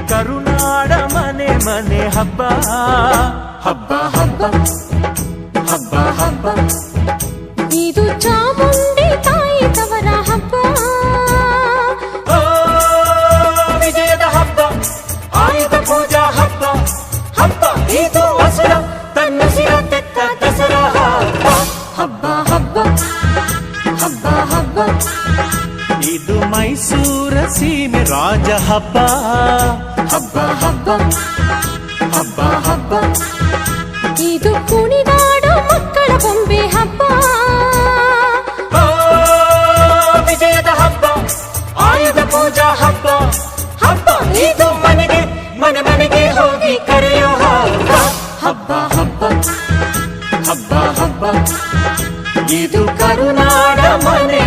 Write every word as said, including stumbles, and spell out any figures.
ಕರುನಾಡ ಮನೆ ಮನೆ ಹಬ್ಬ ಹಬ್ಬ ಹಬ್ಬ ಹಬ್ಬ ಹಬ್ಬ ಇದು ಚಾಮುಂಡಿ ತಾಯಿ ತವರ ಹಬ್ಬ ವಿಜಯದ ಹಬ್ಬ ಆಯುಧ ಪೂಜಾ ಹಬ್ಬ ಹಬ್ಬ ಇದು ಹಸುರ ತನ್ನ ಸಿರ ತೆತ್ತ ದಸರಾ ಹಬ್ಬ ಹಬ್ಬ ಹಬ್ಬ ಹಬ್ಬ ಇದು ಮೈಸೂರ ಸೀಮೆ ರಾಜ ಹಬ್ಬ ಹಬ್ಬ ಹಬ್ಬ ಹಬ್ಬ ಹಬ್ಬ ಇದು ಕುಣಿದಾಡೋ ಮಕ್ಕಳ ಬೊಂಬೆ ಹಬ್ಬ ವಿಜಯದ ಹಬ್ಬ ಆಯುಧ ಪೂಜಾ ಹಬ್ಬ ಹಬ್ಬ ಇದು ಮನೆಗೆ ಮನೆ ಮನೆಗೆ ಹೋಗಿ ಕರೆಯೋ ಹಬ್ಬ ಹಬ್ಬ ಹಬ್ಬ ಹಬ್ಬ ಹಬ್ಬ ಇದು ಕರುನಾಡ ಮನೆ